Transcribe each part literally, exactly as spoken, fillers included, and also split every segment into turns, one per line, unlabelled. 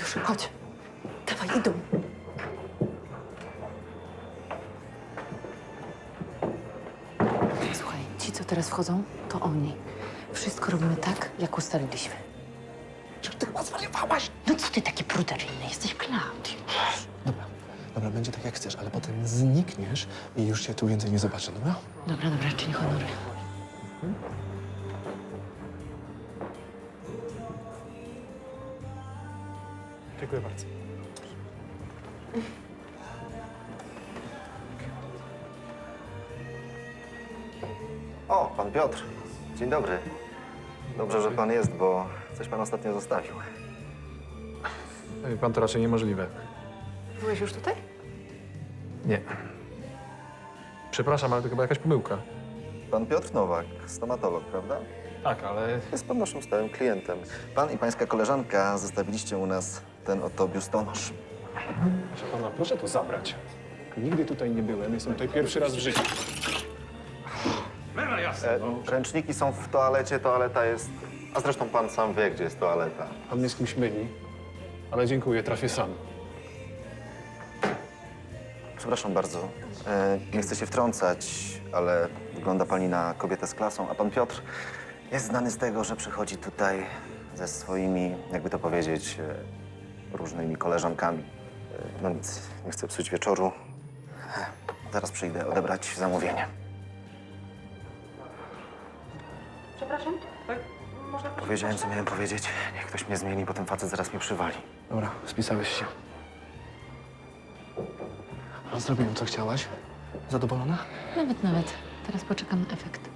Już, chodź. Dawaj, idą. Słuchaj, ci, co teraz wchodzą, to oni. Wszystko robimy tak, jak ustaliliśmy.
Czy ty chyba zwariowałaś?
No co ty taki pruderyjny? Jesteś Klaudiusz.
Dobra, dobra, będzie tak jak chcesz, ale potem znikniesz i już cię tu więcej nie zobaczę, dobra?
Dobra, dobra, czyń honory.
Dziękuję bardzo.
O, pan Piotr. Dzień dobry. Dobrze, że pan jest, bo coś pan ostatnio zostawił.
Wie pan, to raczej niemożliwe.
Byłeś już tutaj?
Nie. Przepraszam, ale to chyba jakaś pomyłka.
Pan Piotr Nowak, stomatolog, prawda?
Tak, ale...
Jest pan naszym stałym klientem. Pan i pańska koleżanka zostawiliście u nas ten oto biustonosz.
Proszę pana, proszę to zabrać. Nigdy tutaj nie byłem, jestem tutaj pierwszy raz w życiu.
E, ręczniki są w toalecie, toaleta jest... A zresztą pan sam wie, gdzie jest toaleta.
Pan mnie z kimś myli, ale dziękuję, trafię sam.
Przepraszam bardzo. E, nie chcę się wtrącać, ale wygląda pani na kobietę z klasą, a pan Piotr jest znany z tego, że przychodzi tutaj ze swoimi, jakby to powiedzieć, e, różnymi koleżankami. E, no nic, nie chcę psuć wieczoru. E, zaraz przyjdę odebrać zamówienie.
Przepraszam? Tak? Można
Powiedziałem, co miałem powiedzieć. Niech ktoś mnie zmieni, bo ten facet zaraz mnie przywali.
Dobra, spisałeś się. A zrobiłem, co chciałaś? Zadowolona?
Nawet, nawet. Teraz poczekam na efekt.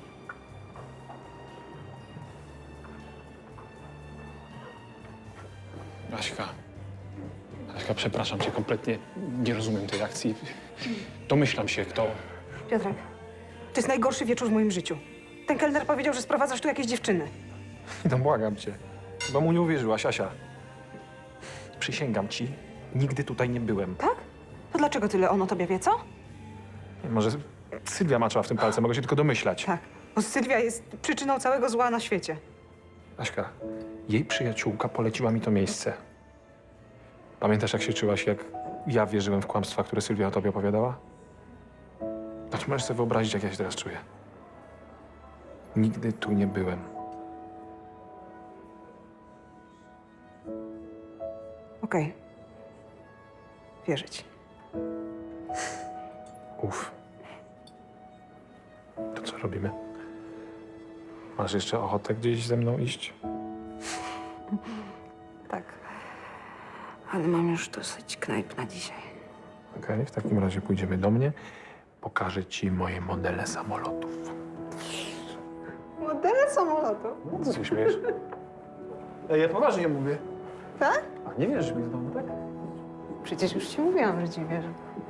Aśka. Aśka, przepraszam cię, kompletnie nie rozumiem tej akcji. Domyślam się, kto...
Piotrek, to jest najgorszy wieczór w moim życiu. Ten kelner powiedział, że sprowadzasz tu jakieś dziewczyny.
No błagam cię. Chyba mu nie uwierzyłaś, Asia. Przysięgam ci, nigdy tutaj nie byłem.
Tak? To dlaczego tyle on o tobie wie, co?
Może Sylwia maczała w tym palce, mogę się tylko domyślać.
Tak, bo Sylwia jest przyczyną całego zła na świecie.
Aśka, jej przyjaciółka poleciła mi to miejsce. Pamiętasz, jak się czułaś, jak ja wierzyłem w kłamstwa, które Sylwia o tobie opowiadała? No to możesz sobie wyobrazić, jak ja się teraz czuję. Nigdy tu nie byłem.
Okej. Wierzę ci.
Uf. To co robimy? Masz jeszcze ochotę gdzieś ze mną iść?
Tak. Ale mam już dosyć knajp na dzisiaj.
Okej, w takim razie pójdziemy do mnie. Pokażę ci moje modele samolotów.
Modele samolotu.
No, co się śmiejesz? Ej, ja poważnie mówię.
Tak?
A nie wierzysz mi znowu, tak?
Przecież już ci mówiłam, że ci wierzę.